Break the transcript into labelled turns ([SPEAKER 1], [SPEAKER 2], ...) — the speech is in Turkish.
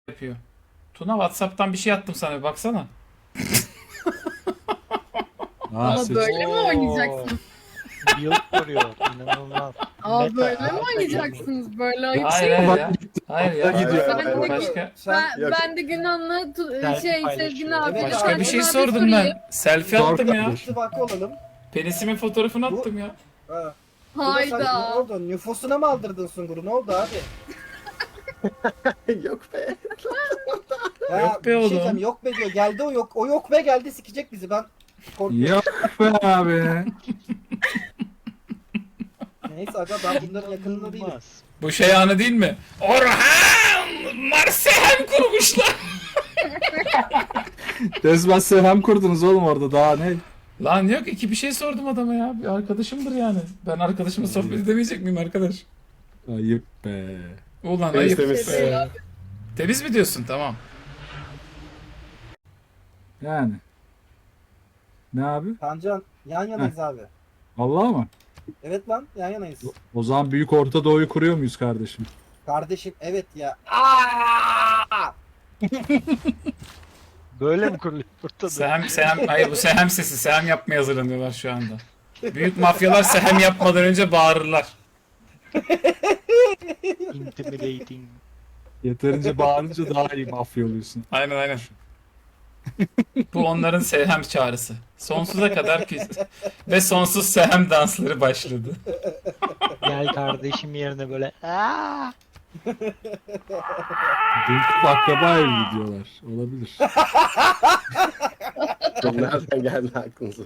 [SPEAKER 1] yapıyor. Tuna WhatsApp'tan bir şey attım sana, bir baksana.
[SPEAKER 2] Ama
[SPEAKER 3] seç-
[SPEAKER 2] böyle mi oynayacaksınız?
[SPEAKER 4] Yıl koruyor. İnanılmaz.
[SPEAKER 2] Aa
[SPEAKER 4] Meta.
[SPEAKER 2] böyle mi oynayacaksınız? Böyle ayıp
[SPEAKER 1] Hayır
[SPEAKER 2] şey mi?
[SPEAKER 1] hayır ya. Hayır ya.
[SPEAKER 3] gidiyor.
[SPEAKER 2] Ben de,
[SPEAKER 1] Başka
[SPEAKER 2] ben de Günan'la
[SPEAKER 4] Selfie
[SPEAKER 2] Sezgin
[SPEAKER 4] paylaşıyor.
[SPEAKER 2] abi.
[SPEAKER 4] Evet,
[SPEAKER 1] başka bir şey
[SPEAKER 2] Tayfun abi
[SPEAKER 1] sordum
[SPEAKER 2] sorayım.
[SPEAKER 1] ben. Selfie
[SPEAKER 3] Sor
[SPEAKER 1] attım ya.
[SPEAKER 3] kardeşim.
[SPEAKER 5] İttifakı olalım.
[SPEAKER 1] Penisimin fotoğrafını attım ya.
[SPEAKER 5] Ha. Bu da sen- Ne
[SPEAKER 2] Hayda.
[SPEAKER 5] oldu? Nüfusuna mı aldırdın Sungur'u? Ne oldu abi?
[SPEAKER 3] Yok be.
[SPEAKER 5] Ha,
[SPEAKER 1] Yok be
[SPEAKER 5] bir şey
[SPEAKER 1] oğlum.
[SPEAKER 5] diyeceğim, yok be diyor. Geldi o yok. O yok be geldi sikecek bizi. Ben korkuyorum.
[SPEAKER 3] Yok be abi.
[SPEAKER 5] Neyse aga ben bunların yakınında değilim.
[SPEAKER 4] İnanılmaz.
[SPEAKER 1] Bu şey anı değil mi? Orhan! Marsehem kurmuşlar.
[SPEAKER 3] Resmen sehem kurdunuz oğlum orada, daha ne?
[SPEAKER 1] Lan yok, iki bir şey sordum adama ya. Bir arkadaşımdır yani. Ben arkadaşımla sohbet edemeyecek miyim arkadaş?
[SPEAKER 3] Ayıp be.
[SPEAKER 1] Ulan
[SPEAKER 3] Temiz,
[SPEAKER 1] ayıp.
[SPEAKER 3] temiz.
[SPEAKER 1] be. Temiz mi diyorsun? Tamam.
[SPEAKER 3] Yani. Ne abi?
[SPEAKER 5] Tancan yan yanayız abi.
[SPEAKER 3] Vallahi mı?
[SPEAKER 5] Evet lan yan yanayız.
[SPEAKER 3] O zaman Büyük Orta Doğu'yu kuruyor muyuz kardeşim?
[SPEAKER 5] Kardeşim evet ya. Aa!
[SPEAKER 4] Böyle mi kuruluyor burada?
[SPEAKER 1] Hayır bu sehem sesi. Sehem yapmaya hazırlanıyorlar şu anda. Büyük mafyalar sehem yapmadan önce bağırırlar.
[SPEAKER 4] Intimidating.
[SPEAKER 3] Yeterince bağırınca daha iyi mafya oluyorsun.
[SPEAKER 1] Aynen aynen. Bu onların sehem çağrısı. Sonsuza kadar ve sonsuz sehem dansları başladı.
[SPEAKER 4] Gel kardeşim yerine böyle. Aa!
[SPEAKER 3] Dünkü akraba evi diyorlar. Olabilir.
[SPEAKER 6] Nereden geldi aklınıza?